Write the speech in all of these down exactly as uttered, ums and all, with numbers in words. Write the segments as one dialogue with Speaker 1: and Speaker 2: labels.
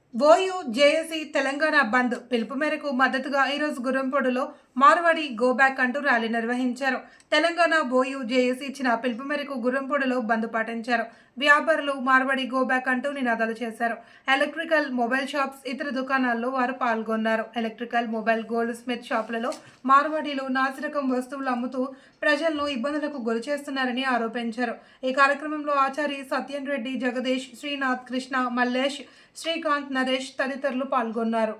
Speaker 1: OU JAC Telangana బంద్ పిలుపు మేరకు మద్దతుగా ఈరోజు గుర్రంపొడులో మార్వాడి గో బ్యాక్ అంటూ ర్యాలీ నిర్వహించారు. తెలంగాణ ఓయూ జేఏసీ ఇచ్చిన పిలుపు మేరకు గుర్రంపొడులో బంద్ పాటించారు. వ్యాపారులు మార్వాడి గో బ్యాక్ అంటూ నినాదాలు చేశారు. ఎలక్ట్రికల్, మొబైల్ షాప్స్, ఇతర దుకాణాల్లో వారు పాల్గొన్నారు. ఎలక్ట్రికల్, మొబైల్, గోల్డ్ స్మిత్ షాపులలో మార్వాడీలు నాసిరకం వస్తువులు అమ్ముతూ ప్రజలను ఇబ్బందులకు గురి చేస్తున్నారని ఆరోపించారు. ఈ కార్యక్రమంలో ఆచారి సత్యన్ రెడ్డి, జగదీష్, శ్రీనాథ్, కృష్ణ, మల్లేష్, శ్రీకాంత్, నరేష్ తదితరులు పాల్గొన్నారు.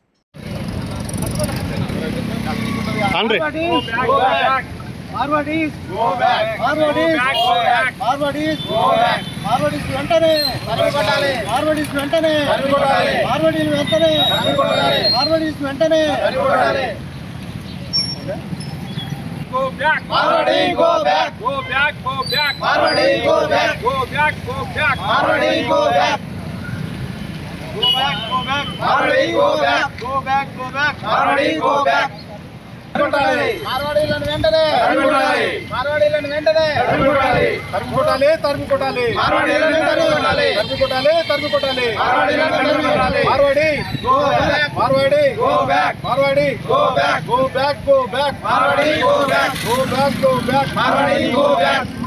Speaker 2: Marwadis go back. Marwadis go back. Marwadis go back. Marwadis వెంటనే తరిమికొట్టాలి. Marwadis వెంటనే తరిమికొట్టాలి. Marwadis వెంటనే తరిమికొట్టాలి. Marwadis వెంటనే తరిమికొట్టాలి.
Speaker 3: Go back.
Speaker 2: Marwadi go back.
Speaker 3: Go back. Go back.
Speaker 2: Marwadi go back.
Speaker 3: Go back. Go back.
Speaker 2: Marwadi go back.
Speaker 3: Go back. Go back.
Speaker 2: Marwadi go back.
Speaker 3: Go back. Go back.
Speaker 2: Marwadi go back.
Speaker 3: తరిమికొట్టాలి.
Speaker 2: మార్వాడీలను వెంటనే
Speaker 3: తరిమికొట్టాలి.
Speaker 2: మార్వాడీలను వెంటనే
Speaker 3: తరిమికొట్టాలి. తరిమికొట్టాలి. తరిమికొట్టాలి.
Speaker 2: మార్వాడీలను తరిమికొట్టాలి.
Speaker 3: తరిమికొట్టాలి. తరిమికొట్టాలి.
Speaker 2: మార్వాడీలను తరిమికొట్టాలి.
Speaker 3: Marwadi
Speaker 2: Go back.
Speaker 3: Marwadi
Speaker 2: Go back.
Speaker 3: Marwadi
Speaker 2: Go back.
Speaker 3: Go back. Go back.
Speaker 2: Marwadi go back.
Speaker 3: Go back. Go back.
Speaker 2: Marwadi go back.